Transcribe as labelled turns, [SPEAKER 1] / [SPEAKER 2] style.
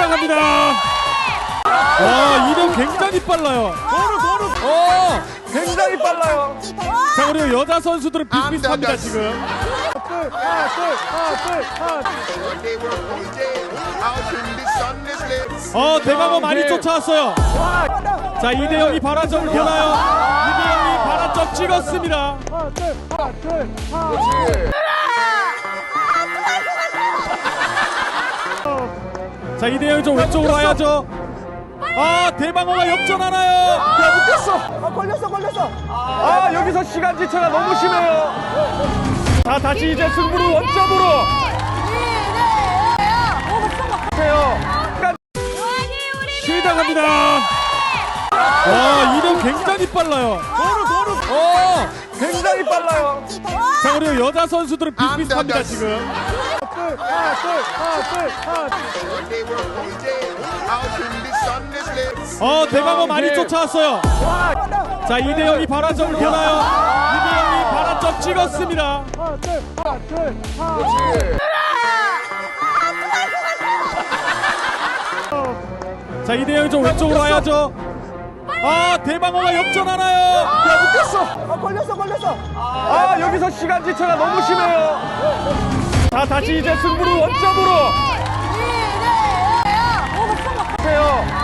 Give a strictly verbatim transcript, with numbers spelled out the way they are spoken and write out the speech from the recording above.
[SPEAKER 1] 시작합니다. 와, 이병 굉장히 빨라요.
[SPEAKER 2] 도루 도루
[SPEAKER 1] 어,
[SPEAKER 2] 굉장히 빨라요.
[SPEAKER 1] 자, 그리고 여자 선수들은 비슷비슷합니다 지금.
[SPEAKER 2] 둘 하나 둘 하나 둘 하나
[SPEAKER 1] 어, 대방어 많이 쫓아왔어요. 자, 이대영이 발화점을 보나요? 이대영이 발화점 찍었습니다.
[SPEAKER 2] 하나 둘 하나 둘 하나
[SPEAKER 1] 자, 이대영이 좀 왼쪽으로 와야죠. 아, 대방어가 역전하나요?
[SPEAKER 2] 야 묶였어. 아 걸렸어 걸렸어. 아 여기서 시간 지체가 너무 심해요.
[SPEAKER 1] 자, 다시 이제 승부를 원점으로.
[SPEAKER 2] 해요.
[SPEAKER 1] 시작합니다. 와, 이병 굉장히 빨라요.
[SPEAKER 2] 도루 도루
[SPEAKER 1] 어,
[SPEAKER 2] 굉장히 빨라요.
[SPEAKER 1] 자, 그리고 여자 선수들은 비슷비슷합니다 지금.
[SPEAKER 2] 둘 하나 둘 하나 둘 하나
[SPEAKER 1] 어, 대방어 많이 쫓아왔어요. 자, 이대영이 발화점을 보나요? 이대영이 발화점 찍었습니다.
[SPEAKER 2] 하나 둘 하나 둘 하나
[SPEAKER 1] 자, 이대영이 좀 왼쪽으로 와야죠. 아, 대방어가 역전하나요?
[SPEAKER 2] 야 묶였어. 아 걸렸어 걸렸어. 아 여기서 시간 지체가 너무 심해요.
[SPEAKER 1] 자, 다시 이제 승부를 원점으로.
[SPEAKER 2] 해요.